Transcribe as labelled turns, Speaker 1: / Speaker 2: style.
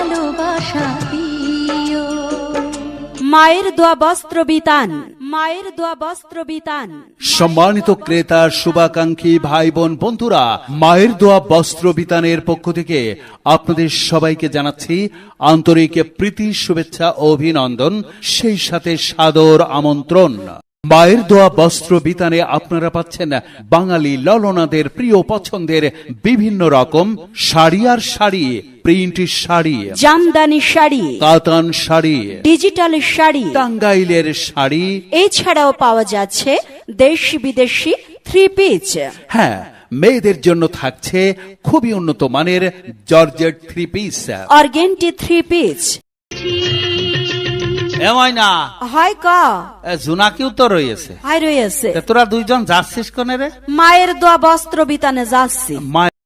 Speaker 1: ভালোবাসা দিও।
Speaker 2: মায়ের দোয়া বস্ত্র বিতান, মায়ের দোয়া বস্ত্র বিতান।
Speaker 3: সম্মানিত ক্রেতা, শুভাকাঙ্ক্ষী ভাই বোন বন্ধুরা, মায়ের দোয়া বস্ত্র বিতানের পক্ষ থেকে আপনাদের সবাইকে জানাচ্ছি আন্তরিক প্রীতি, শুভেচ্ছা ও অভিনন্দন, সেই সাথে সাদর আমন্ত্রণ। মায়ের দোয়া বস্ত্র বিতানে আপনারা পাচ্ছেন বাঙালি ললনাদের প্রিয় পছন্দের বিভিন্ন রকম শাড়ি আর শাড়ি, প্রিন্ট শাড়ি,
Speaker 2: জামদানি শাড়ি,
Speaker 3: কাতান শাড়ি,
Speaker 2: ডিজিটাল শাড়ি,
Speaker 3: টাঙ্গাইলের শাড়ি,
Speaker 2: এছাড়াও পাওয়া যাচ্ছে দেশি বিদেশি থ্রি পিস।
Speaker 3: হ্যাঁ, মেয়েদের জন্য থাকছে খুবই উন্নত মানের georgette three piece,
Speaker 2: organdy three piece.
Speaker 3: এমন না
Speaker 2: হয় ক
Speaker 3: জোনাকিও তো রয়েছে,
Speaker 2: হয় রয়েছে।
Speaker 3: তোরা দুইজন যাচ্ছিস কোনে রে?
Speaker 2: মায়ের দোয়া বস্ত্র বিতানে যাচ্ছি।